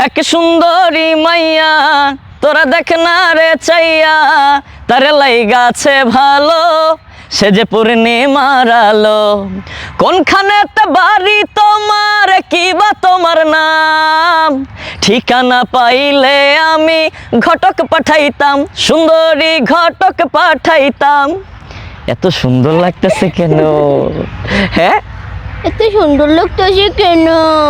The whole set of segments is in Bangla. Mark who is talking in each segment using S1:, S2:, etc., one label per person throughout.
S1: এক সুন্দরী মাইয়া তোরা দেখ না রে চাইয়া তারে লাইগাছে ভালো সে যে পূর্ণিমার আলো কোনখানেতে বাড়ি তোমার কি বা তোমার নাম ঠিকানা পাইলে আমি ঘটক পাঠাইতাম সুন্দরী ঘটক পাঠাইতাম। এত সুন্দর লাগতেছে কেন? হ্যাঁ
S2: এত সুন্দর লাগতেছে কেন?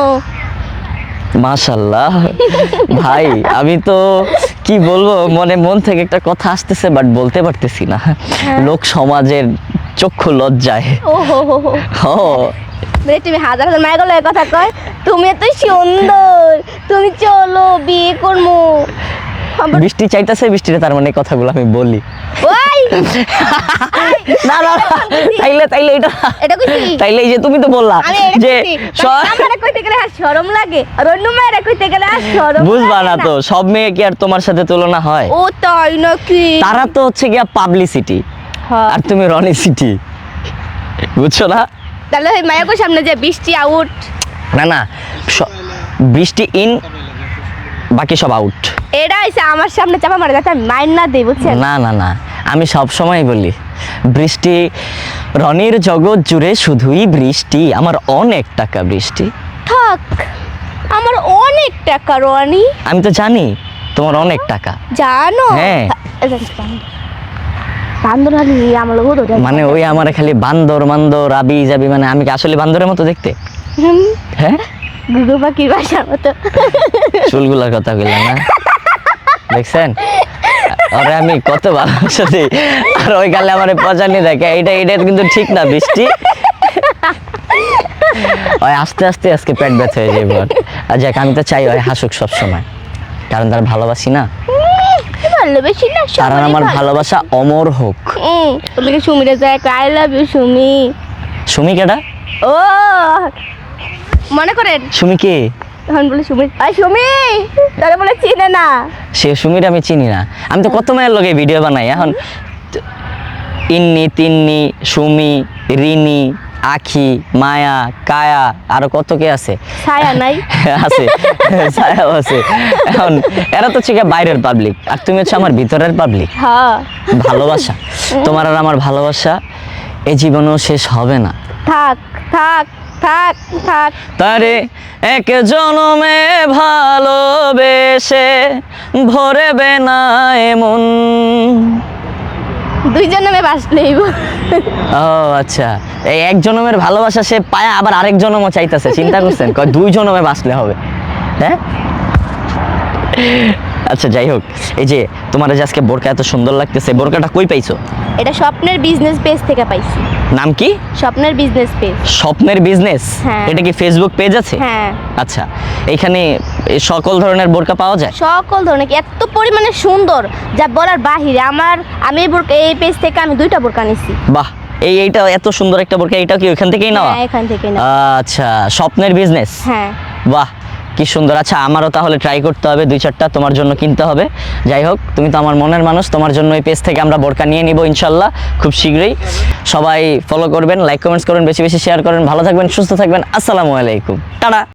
S1: মাশাআল্লাহ ভাই, আমি তো কি বলবো, মন থেকে একটা কথা আসতেছে বাট বলতে পারতেছি না, লোক সমাজের চক্ষু লজ্জায়।
S2: ও হো হো হো
S1: ও
S2: তুমি হাজার হাজার মায়ের গলায় কথা কয়, তুমি এত সুন্দর, তুমি চলো বিয়ে করবো।
S1: বৃষ্টি চাইতেছে, বৃষ্টিতে তার মানে কথাগুলো আমি বলি।
S2: ওই
S1: না না তাইলে এটা
S2: এটা কইছি,
S1: তাইলে এই যে তুমি তো বললা
S2: আমি এটা
S1: যে
S2: কইছি আমারে কইতে গেলে আর শরম লাগে, আর অন্য মেয়েরা কইতে গেলে আর শরম
S1: বুঝবা
S2: লাগে
S1: না তো, সব মেয়ে কি আর তোমার সাথে তুলনা হয়?
S2: ও তাই নাকি?
S1: তারা তো হচ্ছে গিয়া পাবলিসিটি
S2: হ্যাঁ।
S1: আর তুমি রনিসিটি, বুঝছো না?
S2: তাহলে ওই মায়াকোর সামনে যে বৃষ্টি আউট,
S1: না না বৃষ্টি ইন, বাকি সব আউট।
S2: এটা হইছে আমার সামনে চাপা মারে যাতে আমি মাইন না দেই, বুঝছেন?
S1: না না না, আমি সব সময় বলি বৃষ্টি, রনির জগৎ জুড়ে শুধুই বৃষ্টি, আমার অনেক টাকা বৃষ্টি।
S2: থাক, আমার অনেক টাকা রনি।
S1: আমি তো জানি তোমার অনেক টাকা।
S2: জানো?
S1: হ্যাঁ।
S2: বান্দর আলি আমার লোক ধরে
S1: মানে ওই আমার খালি বান্দর মান্দর আবি যাবি, মানে আমি কি আসলে বান্দরের মতো দেখতে? হ্যাঁ,
S2: গুগু পাখির বাসার মতো।
S1: চুলগুলার কথা কইলাম না, দেখছেন? আরে আমি কত ভালোবাসা দিই, আর ওই গালে আমার পচানি দেখে, এটা কিন্তু ঠিক না বৃষ্টি। ওই আস্তে আস্তে আজকে পেট ব্যথা হয়ে যাবে। আর যাক, আমি তো চাই ওই হাসুক সবসময়, কারণ তার ভালোবাসি না,
S2: ভালোবাসি না
S1: কারণ আমার ভালোবাসা অমর হোক।
S2: ওদেরকে সুমিরে যায়, I love you Sumi.
S1: Sumi কেডা?
S2: ও মনে করেন
S1: সুমি কে?
S2: তখন বলে সুমি, আই সুমি, তারা বলে চিনে না।
S1: সে সুমির আমি চিনি না, আমি তো কত মায়ের লগে ভিডিও বানাই এখন। ইন্নি তিন্নি সুমি রিনি আখি মায়া কায়া আরো কত কে আছে,
S2: ছায়া নাই
S1: আছে ছায়াও আছে। এখন এরা তো হচ্ছে বাইরের পাবলিক, আর তুমি হচ্ছে আমার ভিতরের পাবলিক।
S2: হ্যাঁ,
S1: ভালোবাসা, তোমার আর আমার ভালোবাসা এই জীবনেও শেষ হবে না।
S2: থাক থাক থাক থাক।
S1: তারে এক জনমে ভালোবেসে ভরবে না এমন।
S2: দুইজন নামে বাস নেইব।
S1: ও আচ্ছা, এই এক জনমের ভালোবাসা সে পায়া আবার আরেক জনমও চাইতেছে, চিন্তা করছেন? কয় দুই জনমে বাঁচলে হবে। হ্যাঁ আচ্ছা, যাই হোক, এই যে তোমার যে আজকে বোরকা এত সুন্দর লাগতেছে, বোরকাটা কই পাইছো?
S2: এটা স্বপ্নের বিজনেস পেজ থেকে পাইছি।
S1: নাম কি?
S2: স্বপ্নের বিজনেস পেজ।
S1: স্বপ্নের বিজনেস?
S2: হ্যাঁ।
S1: এটা কি ফেসবুক পেজ আছে?
S2: হ্যাঁ।
S1: আচ্ছা, এইখানে সকল ধরনের বোরকা পাওয়া যায়?
S2: সকল ধরনের, এত পরিমাণে সুন্দর যা বলার বাহিরে। আমি এই বোরকা, এই পেজ থেকে আমি 2টা বোরকা নিছি।
S1: বাহ, এইটা এত সুন্দর একটা বোরকা, এইটা কি ওখান থেকেই নেওয়া?
S2: হ্যাঁ, এখান থেকে নেওয়া।
S1: আচ্ছা, স্বপ্নের বিজনেস।
S2: হ্যাঁ।
S1: বাহ, কি সুন্দর। আচ্ছা, আমারও তাহলে ট্রাই করতে হবে, 2-4টা তোমার জন্য কিনতে হবে। যাই হোক, তুমি তো আমার মনের মানুষ, তোমার জন্য এই পেজ থেকে আমরা বোরকা নিয়ে নিব ইনশাল্লাহ খুব শীঘ্রই। সবাই ফলো করবেন, লাইক কমেন্টস করবেন, বেশি বেশি শেয়ার করেন। ভালো থাকবেন, সুস্থ থাকবেন। আসসালামু আলাইকুম, টাটা।